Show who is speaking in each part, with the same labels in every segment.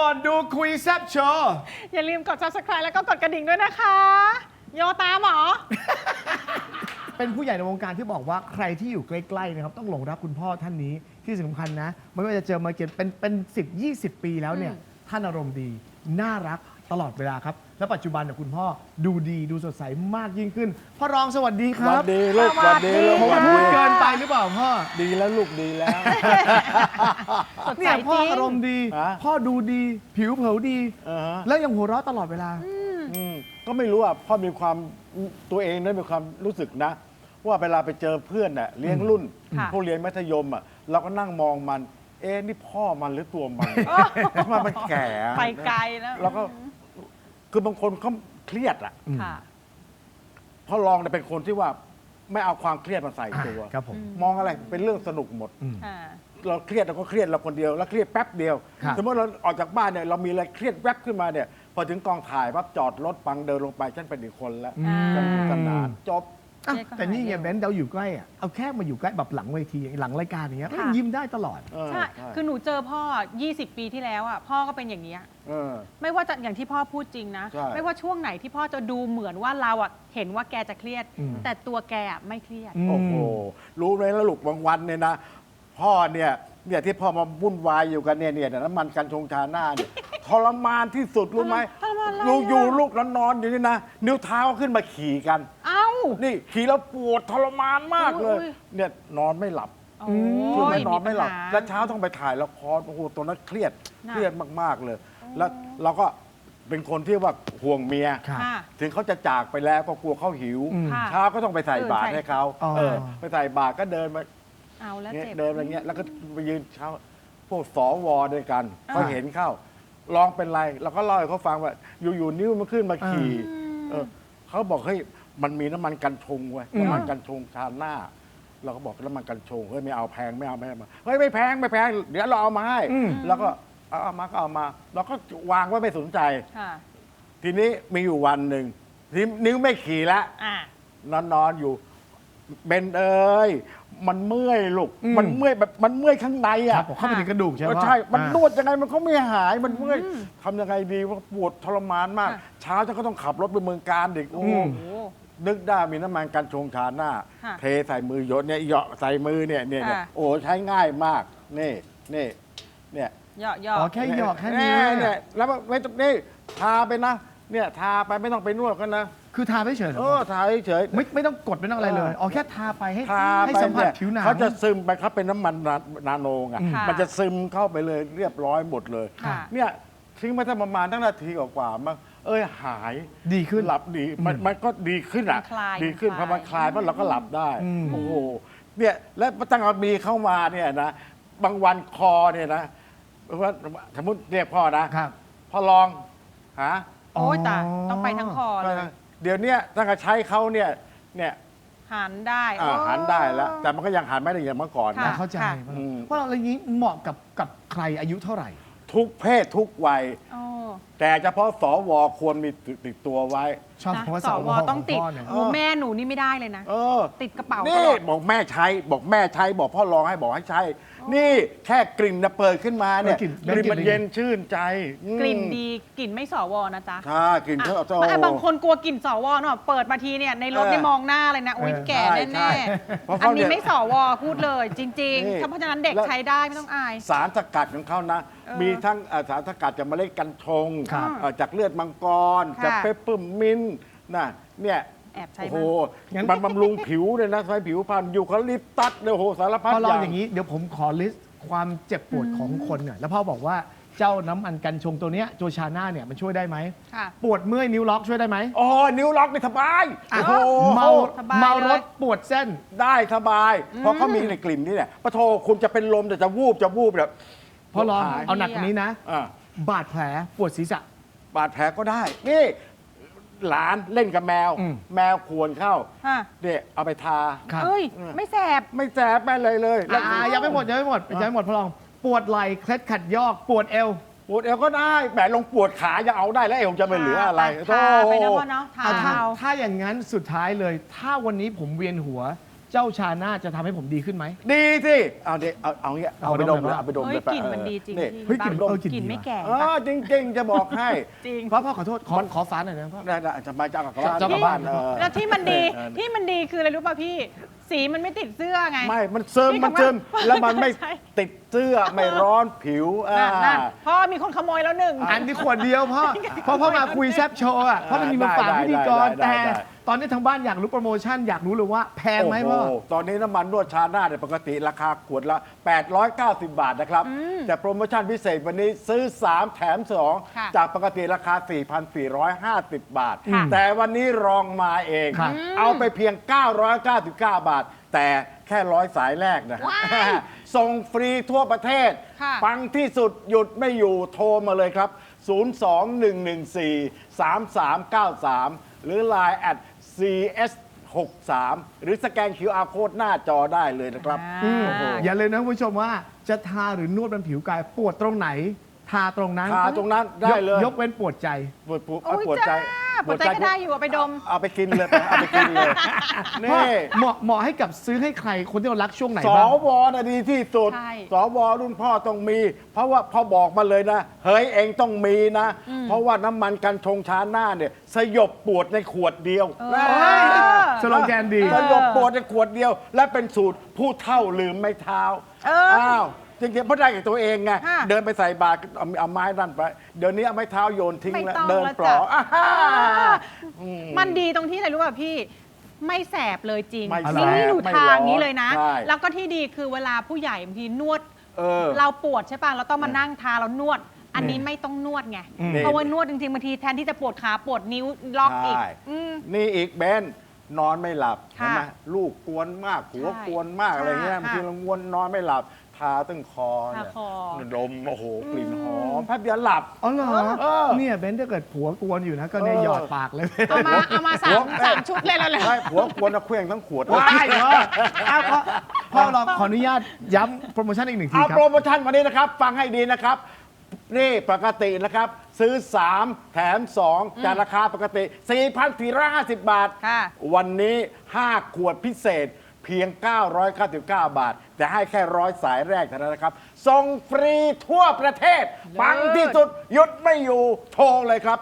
Speaker 1: ก่อนดูคุยแซ่บโชว์
Speaker 2: อย่าลืมกด subscribe แล้วก็กดกระดิ่งด้วยนะคะ โยตามเหรอ
Speaker 1: เป็นผู้ใหญ่ในวงการที่บอกว่าใครที่อยู่ใกล้ๆนะครับต้องหลงรักคุณพ่อท่านนี้ที่สำคัญนะไม่ว่าจะเจอมาเกียรติเป็น10-20 ปีแล้วเนี่ยท่านอารมณ์ดีน่ารักตลอดเวลาครับและปัจจุบันเนี่ยคุณพ่อดูดีดูสดใสมากยิ่งขึ้นพ่อรองสวัสดีค
Speaker 3: สวั
Speaker 1: รั
Speaker 3: ส
Speaker 1: บ
Speaker 3: ดีลูกสวัสดีลูก
Speaker 1: ผม
Speaker 3: สวัส
Speaker 1: พู
Speaker 3: ดี
Speaker 1: ดเกินไปหรือเปล่าพ่อ
Speaker 3: ดีแล้วลูกดีแล้ว
Speaker 2: สดใส
Speaker 1: เนี่ยพ่อ
Speaker 2: จริง
Speaker 1: อารมณ์ดี
Speaker 3: ฮะ
Speaker 1: พ่อดูดีผิวเผาดี
Speaker 3: ฮะ
Speaker 1: แล้วยังหัวเราะตลอดเวลา
Speaker 3: ก็ไม่รู้อ่ะพ่อมีความตัวเองนั้นมีความรู้สึกนะ ว่าเวลาไปเจอเพื่อนน่ะเลี้ยงรุ่น
Speaker 2: ค่ะ
Speaker 3: พวกเรียนมัธยมอ่ะเราก็นั่งมองมัน เอ๊ะนี่พ่อมันหรือตัวมันทำไมมันแก่อะ
Speaker 2: ไปไกลแล้ว
Speaker 3: แล้วก็คือบางคนเขาเครียดอ่ะ
Speaker 2: ค่ะ
Speaker 3: พ่อรองเนี่ยเป็นคนที่ว่าไม่เอาความเครียดมาใส่ตัว
Speaker 1: ครับผม
Speaker 3: มองอะไรเป็นเรื่องสนุกหมด
Speaker 2: ค่ะ
Speaker 3: เราเครียดเราก็เครียดเราคนเดียวแล้วเครียดแป๊บเดียว
Speaker 1: ครับ
Speaker 3: สมมติเราออกจากบ้านเนี่ยเรามีอะไรเครียดแวบขึ้นมาเนี่ยพอถึงกองถ่ายปั๊บจอดรถฟังเดินลงไปฉันเป็นอีกคนแล้ว
Speaker 2: อ่า
Speaker 3: สนุกสนานจบ
Speaker 1: อ่ะ
Speaker 2: เครียดก็
Speaker 1: แต่นี่ไง
Speaker 2: หายเร็ว
Speaker 1: เบนซ์เราอยู่ใกล้อ่ะเอาแค่มาอยู่ใกล้แบบหลังเวทีหลังรายการอย่างเงี้ย
Speaker 2: ค่ะ
Speaker 1: ยิ้มได้ตลอด
Speaker 3: เออ
Speaker 2: ใช่ คือหนูเจอพ่อ 20 ปีที่แล้วอ่ะ พ่อก็เป็นอย่างนี้ย
Speaker 3: เออ
Speaker 2: ไม่ว่าจะอย่างที่พ่อพูดจริงนะ
Speaker 3: ใช่
Speaker 2: ไม่ว่าช่วงไหนที่พ่อจะดูเหมือนว่าเราอ่ะเห็นว่าแกจะเครียด
Speaker 1: อืม
Speaker 2: แต่ตัวแกอ่ะไม่เครียด
Speaker 1: อืม
Speaker 3: โอ้โหรู้ไหมแล้วลูกบางวันเนี่ยนะ พ่อเนี่ยที่พ่อมาวุ่นวายอยู่กันเนี่ยน้ำมันกันชงชาหน้าเนี่ย ทรมานที่สุดรู้ไหม
Speaker 2: ทรมานอะไร
Speaker 3: ลูกอยู่
Speaker 2: อ่ะ
Speaker 3: ลูกนอนอยู่นี่นะนิ้วเท้าขึ้นมาขี่กัน
Speaker 2: เอ้า
Speaker 3: นี่ขี่แล้วปวดทรมานมากเลย
Speaker 2: อุ้ย
Speaker 3: เนี่ยนอนไม่หลับ
Speaker 2: โอ้
Speaker 3: คือย ไม่นอน
Speaker 2: ปัญ
Speaker 3: ไม่หลับ
Speaker 2: า
Speaker 3: แล้วเช้าต้องไปถ่ายละครโอ้โหตัวนั้นเครียด
Speaker 2: น่ะ
Speaker 3: เครียดมากๆเลย แล้วเราก็เป็นคนที่ว่าห่วงเมีย
Speaker 1: ครับ
Speaker 2: ค่ะ
Speaker 3: ถึงเขาจะจากไปแล้วก็กลัวเขาหิว
Speaker 1: อืม
Speaker 2: ค่ะ
Speaker 3: เช้าก็ต้องไปใส่บาตรให้เขา
Speaker 1: อ๋อ
Speaker 3: ไปใส่บาตรก็เดินมา
Speaker 2: เอาแล้ว
Speaker 3: เนี่ย
Speaker 2: เจ็บ
Speaker 3: เดินอะไรเงี้ยแล้วก็ไปยืนเช้าพวกสวด้วยกัน
Speaker 2: อ่า
Speaker 3: เขาเห็นเข้าลองเป็นไรเราก็เล่าให้เขาฟังว่าอยู่ๆนิ้วมันขึ้นมาขี่เขาบอกเฮ้ยมันมีน้ำมันกันชงเว้ยน้ำมันกันชงทาหน้า เราก็บอกน้ำมันกันชงเฮ้ยไม่เอาแพงไม่เอามาเฮ้ยไม่แพงเดี๋ยวเราเอามาให้ แล้วก็เอามาก็เอามาเราก็วางไว้ไม่สนใจ
Speaker 2: ค่ะ
Speaker 3: ทีนี้มีอยู่วันหนึ่งที่นิ้วไม่ขี่แล้ว
Speaker 2: อ่ะ
Speaker 3: นอนอยู่เบนเอ้ยมันเมื่อยลูก มันเมื่อยแบบมันเมื่อยข้างใน
Speaker 1: ค
Speaker 3: อ่ะ
Speaker 1: รับผมเข้าไปถึงกระดูกใช่ไหม
Speaker 3: ใช่ มัน
Speaker 1: อ่าน
Speaker 3: วดยังไงมันก็ไม่หายมันเมื่อยทำยังไงดีว่าปวดทรมานมาก
Speaker 2: ค่ะ
Speaker 3: เช้าฉันก็ต้องขับรถไปเมืองการเด็กโอ้โห
Speaker 2: โอ้โห
Speaker 3: นึกได้มีน้ำมันกันชงชาหน้า
Speaker 2: ค่ะ
Speaker 3: เทใส่มือหยดเนี่ยเหยาะใส่มือเนี่ย
Speaker 2: ค่ะ
Speaker 3: โอ้ใช้ง่ายมากนี่เนี่ย
Speaker 2: เหยาะเหยาะ
Speaker 1: อ๋อแค่หยอกแค่นี้ว
Speaker 3: เนี่ยแล้วไม่ต้องนี่ทาไปนะเนี่ยทาไปไม่ต้องไปนวดกันนะ
Speaker 1: คือทาไม่เฉยเหรอ
Speaker 3: ทาเฉยๆ
Speaker 1: ไม่ต้องกดไม่ต้องอะไรเลยอ๋อแค่ทาไปให้
Speaker 3: ทา
Speaker 1: ให้
Speaker 3: ไป
Speaker 1: สัมผัส
Speaker 3: เนี่ย
Speaker 1: ผิวหนัง
Speaker 3: เขาจะซึมไปครับเป็นน้ำมันนาโนไง
Speaker 2: ค่ะ
Speaker 3: มันจะซึมเข้าไปเลยเรียบร้อยหมดเลย
Speaker 2: ค่ะ
Speaker 3: เนี่ยทิ้งมาตั้งประมาณตั้งนาทีกว่าๆมั้งหาย
Speaker 1: ดีขึ้น
Speaker 3: หลับดีมันก็ดีขึ้นอ่ะ
Speaker 2: มันคลาย
Speaker 3: ดีขึ้น
Speaker 2: มัน
Speaker 3: พอมัน
Speaker 2: ค
Speaker 3: ค
Speaker 2: ลา
Speaker 3: ลาย ยปั๊บเราก็หลับได้
Speaker 1: อืม
Speaker 3: โอ้โหเนี่ยแล้วตั้งแต่มีเข้ามาเนี่ยนะบางวันคอเนี่ยนะว่าสมมติเรียกพ่อนะครับ พ่อลองหา
Speaker 2: โอ้ยแต่ต้องไปทั้งคอเลย
Speaker 3: เดี๋ยวเนี้ยตั้งแต่ใช้เขาเนี่ย
Speaker 2: หันได้
Speaker 3: หันได้แล้ว แต่มันก็ยังหันไม่ได้อย่างเมื่อก่อน
Speaker 2: ค่ะ
Speaker 3: นะ
Speaker 1: เข้าใจ
Speaker 2: ค่ะ
Speaker 3: อืม
Speaker 1: เพราะเราอะไรนี้เหมาะกับใครอายุเท่าไหร่
Speaker 3: ทุกเพศทุกวัย
Speaker 2: โอ้
Speaker 3: แต่เฉพาะสวควรมีติดตัวไว้
Speaker 1: ชอบ
Speaker 2: นะ
Speaker 1: คำว่า
Speaker 2: ส
Speaker 1: ส
Speaker 2: ว
Speaker 1: ว
Speaker 2: ต้องติด
Speaker 1: ขพ่เนี่ย
Speaker 2: โอ้แม่หนูนี่ไม่ได้เลยนะ
Speaker 3: เออ
Speaker 2: ติดกระเป๋าต
Speaker 3: นี่
Speaker 2: ลอด
Speaker 3: บอกแม่ใช้บอกพ่อลองให้บอกให้ใช้ นี่แค่กลิ่นนะเปิดขึ้นมาเนี่ย
Speaker 1: กลิ่น
Speaker 3: กลิ่นมัน
Speaker 1: กลิ่น
Speaker 3: เย็นชื่นใจอืม
Speaker 2: กลิ่นดีกลิ่นไม่สวนะจ๊ะ
Speaker 3: ใช่กลิ่น
Speaker 2: อ่ะ
Speaker 3: เขา
Speaker 2: ไม่บางคนกลัวกลิ่นสวเนาะเปิดมาทีเนี่ยในรถนี่มองหน้าเลยนะอุ้ยแก่
Speaker 3: ใช่
Speaker 2: แน่
Speaker 3: เพราะ
Speaker 2: ๆอั
Speaker 3: เขา
Speaker 2: นนี้
Speaker 3: เนี่ย
Speaker 2: ไม่สวพูดเลยจริง
Speaker 3: นี่
Speaker 2: ๆเพราะฉะนั้นเด็ก
Speaker 3: แล้ว
Speaker 2: ใช้ได้ไม่ต้องอาย
Speaker 3: สารสกัดของเขานะ
Speaker 2: เออ
Speaker 3: มีทั้งสารสกัดจากเมล็ดกัญชง
Speaker 1: ครับ
Speaker 3: จากเลือดมังกร
Speaker 2: ค่ะ
Speaker 3: จากเปปเปอร์มินต์นะเนี่ย
Speaker 2: แอบใช้
Speaker 3: โอ้โห
Speaker 2: มั้ย
Speaker 1: งั้น
Speaker 3: มันบำรุงผิวเลยนะทำให้ผิวพรรณยูคาลิปตัสเนี่ยโอ้โหสารพัด
Speaker 1: พอ
Speaker 3: อ
Speaker 1: ลอง
Speaker 3: ย่าง
Speaker 1: อย่างนี้เดี๋ยวผมขอลิสต์ความเจ็บปวดของคนหน่อยแล้วพ่อบอกว่าเจ้าน้ำมันกันชงตัวเนี้ยโจชาน่าเนี่ยมันช่วยได้ไหม
Speaker 2: ค่ะ
Speaker 1: ปวดเมื่อยนิ้วล็อกช่วยได้ไหม
Speaker 3: อ๋อนิ้วล็อกนี่สบาย
Speaker 1: อ่ะ
Speaker 3: โอ้โห
Speaker 1: เมา
Speaker 2: สบาย
Speaker 1: เมา
Speaker 2: เลย
Speaker 1: รถปวดเส้น
Speaker 3: ได้สบาย เพราะเขามีในกลิ่นนี่เนี่ยปะโทคุณจะเป็นลมแต่จะวูบแบบ
Speaker 1: พอลอง
Speaker 3: หาย
Speaker 1: เอาหนักกว่านี้นะ
Speaker 3: อ่ะ
Speaker 1: บาดแผลปวดศีรษะ
Speaker 3: บาดแผลก็ได้ นี่หลานเล่นกับแมว
Speaker 1: อืม
Speaker 3: แมวควรเข้า
Speaker 2: ฮะ
Speaker 3: เนี่ยเอาไปทา
Speaker 1: ครับ
Speaker 2: เอ้ยไม่แสบ
Speaker 3: ไม่แสบไม่เลย แล้ว
Speaker 1: ยังไม่หมดพอลองปวดไหล่เคล็ดขัดยอกปวดเอว
Speaker 3: ปวดเอวก็ได้แหมลงปวดขายังเอาได้แล้วเอวจะไปเหลืออะไร
Speaker 2: ทาไปนะพ่อเนาะทา
Speaker 1: ถ้า
Speaker 2: เอา
Speaker 1: ถ้าอย่างนั้นสุดท้ายเลย ถ้าวันนี้ผมเวียนหัวเจ้าชาน่าจะทำให้ผมดีขึ้นไหม
Speaker 3: ดีสิเอาดิเอาเงี้ยเอาไปดมเลยเอาไปดม
Speaker 2: เฮ้
Speaker 3: เลย ย
Speaker 2: กลิ่นมันดีจริง
Speaker 3: นี่
Speaker 2: พี่
Speaker 1: เฮ้ยกลิ่น
Speaker 2: บ้า
Speaker 1: เออกลิ่น
Speaker 2: กลิ่น
Speaker 1: ดี
Speaker 2: ไม่
Speaker 1: ว่ะ
Speaker 2: แก่
Speaker 3: จริง ๆ จะบอกให้
Speaker 2: จริง
Speaker 1: พ่อขอโทษขอฝาหน่อยนะพ่อ
Speaker 3: ได้จะมาจากกลับบ้าน
Speaker 1: จะกลับบ้าน
Speaker 2: แล้วที่มันดีคืออะไรรู้ป่ะพี่ สีมันไม่ติดเสื้อไง
Speaker 3: ไม่มันซึม
Speaker 2: พี่
Speaker 3: มันซึม
Speaker 2: คำว่า
Speaker 3: แล้วมันไม่
Speaker 2: ใช่
Speaker 3: ติดเสื้อไม่ร้อนผิว
Speaker 2: นั่นพ่อมีคนขโมยแล้วหนึ่ง
Speaker 1: อันนี้ขวดเดียวพ่อพ่อมาคุยแซบโชว์อ่ะพ่อมันมีมาฝากพิธีกร
Speaker 3: ได้
Speaker 1: แต่
Speaker 3: ได้
Speaker 1: ตอนนี้ทางบ้านอยากรู้โปรโมชั่นอยากรู้เลยว่าแพงไหมพ่อ
Speaker 3: โโตอนนี้น้ำมันนวดชาหน้าเนี่ยปกติราคาขวดละ 890 บาทนะครับ แต่โปรโมชั่นพิเศษวันนี้ซื้อ 3 แถม
Speaker 2: ค่ะ
Speaker 3: 2 จากปกติราคา 4,450 บาท
Speaker 2: ค่ะ
Speaker 3: แต่วันนี้รองมาเอง
Speaker 1: ครับ
Speaker 3: เอาไปเพียง 999 บาท แต่แค่100 สายแรกนะครับ
Speaker 2: ว้าย
Speaker 3: ส่งฟรีทั่วประเทศ
Speaker 2: ค่ะ
Speaker 3: ปังที่สุดหยุดไม่อยู่โทรมาเลยครับ 021143393 หรือ Line @CS63 หรือสแกน QR Code หน้าจอได้เลยนะครับ
Speaker 1: อย่าเลยนะคุณผู้ชมว่าจะทาหรือนวดบนผิวกายปวดตรงไหน ทาตรงนั้น
Speaker 3: ทาตรงนั้นได้เลย
Speaker 1: ยกเว้นปวดใจ
Speaker 3: ปวด
Speaker 2: โอ้ย
Speaker 3: ปวดใจ
Speaker 2: ปวดใจก็ได้อยู่เอาไปดม
Speaker 3: เอาไปกินเลยเอาไปกินเลย
Speaker 1: พ่อ
Speaker 3: นี่
Speaker 1: เหมาะให้กับซื้อให้ใครคนที่เรารักช่วงไหน
Speaker 3: ส
Speaker 1: บ้าง
Speaker 3: วนะดีที่สุด
Speaker 2: ใช่
Speaker 3: สวรุ่นพ่อต้องมี เพราะว่าพ่อบอกมาเลยนะ เฮ้ยเองต้องมีนะ เพราะว่าน้ำมันกันชงชาหน้าเนี่ยสยบปวดในขวดเดียว
Speaker 2: เออ
Speaker 1: เฮ้ยสโลแกนดี
Speaker 3: สยบปวดในขวดเดียว และเป็นสูตรผู้เท่าลืมไม่เท้า
Speaker 2: เอออ้
Speaker 3: าวจริงๆเพราะได้กับตัวเองไง
Speaker 2: ค่ะ
Speaker 3: เดินไปใส่บาตรเอาไม้นั่นไป เดี๋ยวนี้เอาไม้เท้าโยนทิ้ง
Speaker 2: ไม่
Speaker 3: แล้ว
Speaker 2: ต้อง
Speaker 3: เดิน
Speaker 2: แล้ว
Speaker 3: ปลอ
Speaker 2: จ้ะ
Speaker 3: อ่าฮ่า
Speaker 2: มันดีตรงที่อะไรรู้ป่ะพี่ ไม่แสบเลยจริง
Speaker 3: ไม่แสบ
Speaker 2: นี่หนู
Speaker 3: ไม่
Speaker 2: ทา
Speaker 3: ร้อน
Speaker 2: อย่างนี้เลยนะ
Speaker 3: ใช่
Speaker 2: แล้วก็ที่ดีคือเวลาผู้ใหญ่บางทีนวด
Speaker 3: เออ
Speaker 2: เราปวดใช่ป่ะเราต้องมานั่งทาแล้วนวด อันนี้ไม่ต้องนวดไง เพราะว่านวดจริงๆบางทีแทนที่จะปวดขาปวดนิ้วล็อกอีก
Speaker 3: ใช่
Speaker 2: อืม
Speaker 3: นี่อีกเบนนอนไม่หลับ
Speaker 2: ค่ะ
Speaker 3: เห็นไหมลูกกวนมากหัว
Speaker 2: ใช่
Speaker 3: กวนมากอะไรเงี้ย
Speaker 2: ค่ะ
Speaker 3: บางทีเรางวนนอนไม่หลับ ทาตั้งคอ
Speaker 2: ทา
Speaker 3: เนี่ย
Speaker 2: คอ
Speaker 3: ดมโอ้โหกลิ่นหอมแป๊บเดียวหลับ
Speaker 1: อ๋อเหรอ
Speaker 3: เออ
Speaker 1: เนี่ยเบนถ้าเกิดผัวกวนอยู่นะก็เนี่ยหยอดปากเลย
Speaker 2: เอามาสามชุดเลยแล้วแหละ
Speaker 3: ใช่ผัวกวนเอาเครื่องทั้งขวด
Speaker 1: ว้ายเหรออ้าวพ่อลองขออนุญาตย้ำโปรโมชั่นอีกหนึ่งที
Speaker 3: เอา
Speaker 1: ครั
Speaker 3: โปร
Speaker 1: บ
Speaker 3: โมชั่นวันนี้นะครับ ฟังให้ดีนะครับ นี่ปกตินะครับ ซื้อ 3 แถม 2 จากราคาปกติ 4,450 บาท
Speaker 2: ค่ะ
Speaker 3: วันนี้ 5 ขวดพิเศษเพียง 999 บาท แต่ให้แค่100 สายแรกเท่านั้นนะครับ ส่งฟรีทั่วประเทศ ปังที่สุดหยุดไม่อยู่ โทรเลยครับ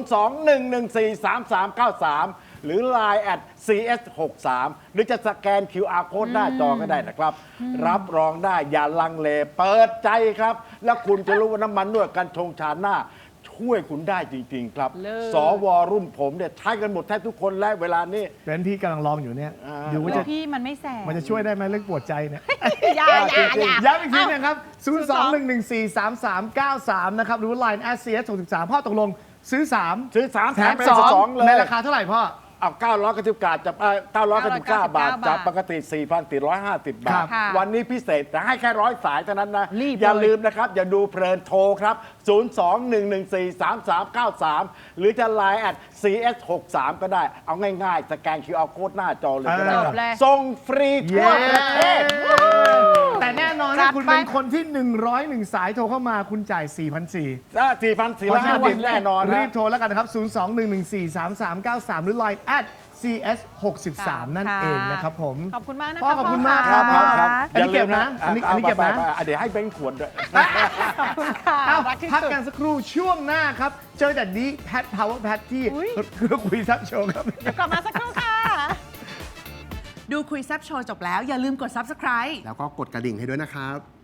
Speaker 3: 021143393 หรือ Line @CS63 หรือจะสแกน QR Code หน้าจอก็ได้นะครับ รับรองได้อย่าลังเล เปิดใจครับ แล้วคุณจะรู้ว่าน้ำมันนวดกันชงชาหน้า ช่วยคุณได้จริง ๆ ครับ
Speaker 2: เลิศ
Speaker 3: สวรุ่นผมเนี่ยใช้กันหมดแทบทุกคนและเวลานี้
Speaker 1: เบนพี่กำลังลองอยู่เนี่ย
Speaker 3: อ่า
Speaker 1: ดูว่า
Speaker 2: แล้
Speaker 1: จะ
Speaker 2: วพี่มันไม่แสบ
Speaker 1: มันจะช่วยได้ไหมเรื่องปวดใจเนี่ย
Speaker 2: อย่า
Speaker 1: ย้ำอีกทีนะครับ 021143393 นะครับ หรือ Line @CS63 พ่อตกลงซื้อ 3
Speaker 3: ซื้อ 3
Speaker 1: แถ
Speaker 3: แถ
Speaker 1: ม
Speaker 3: มเป็นสอง
Speaker 1: 2
Speaker 3: เลย
Speaker 1: ในราคาเท่าไหร่พ่อ
Speaker 3: เอา999บาทจากบาทจากปกติ 4,450 บา
Speaker 1: ครั
Speaker 3: ท
Speaker 1: บ
Speaker 2: ค่ะ
Speaker 3: วันนี้พิเศษแต่ให้แค่100 สายเท่านั้นนะ
Speaker 2: รีบ
Speaker 3: อย่า
Speaker 2: เลย
Speaker 3: ลืมนะครับ อย่าดูเพลินโทรครับ 021143393 หรือจะ Line @CS63 ก็ได้ เอาง่ายๆ สแกน QR Code หน้าจอเลยก็ได้ครับ
Speaker 2: จบเลย
Speaker 3: ส่งฟรีทั่วประเทศ
Speaker 1: แต่แน่นอน
Speaker 2: จั
Speaker 1: ถ้า
Speaker 2: ด
Speaker 1: คุณ
Speaker 2: ไป
Speaker 1: เป็นคนที่ 101 สายโทรเข้ามาคุณจ่าย 4,400
Speaker 3: 4,450 แน่นอน
Speaker 1: รี
Speaker 3: นะ
Speaker 1: บโทรแล้วกันนะครับ 021143393 หรือ Line @CS63 นั่นเองนะครับผม
Speaker 2: ขอบคุณมากนะ
Speaker 1: พ่อ
Speaker 2: คะ
Speaker 1: ขอบคุณ
Speaker 2: พ่
Speaker 1: มาก
Speaker 2: ค่ะ
Speaker 3: ครับ
Speaker 1: อันนี้เก็บนะอันนี้เก็บนะ
Speaker 3: เดี๋ยวให้เบนขวดด้วย
Speaker 2: ขอบคุณค่ะ
Speaker 1: เอ้า
Speaker 2: รักที่
Speaker 1: พัก
Speaker 2: สุด
Speaker 1: กันสักครู่ช่วงหน้าครับ เจอแต่นี้แพทพาวเวอร์แพทที่
Speaker 2: อุ๊ย
Speaker 1: คือคุยซับโชว์ครับ
Speaker 2: เดี๋ยวกลับมาสักครู่ค่ะ
Speaker 4: ดูคุยแซบโชว์จบแล้วอย่าลืมกด subscribe
Speaker 5: แล้วก็กดกระดิ่งให้ด้วยนะครับ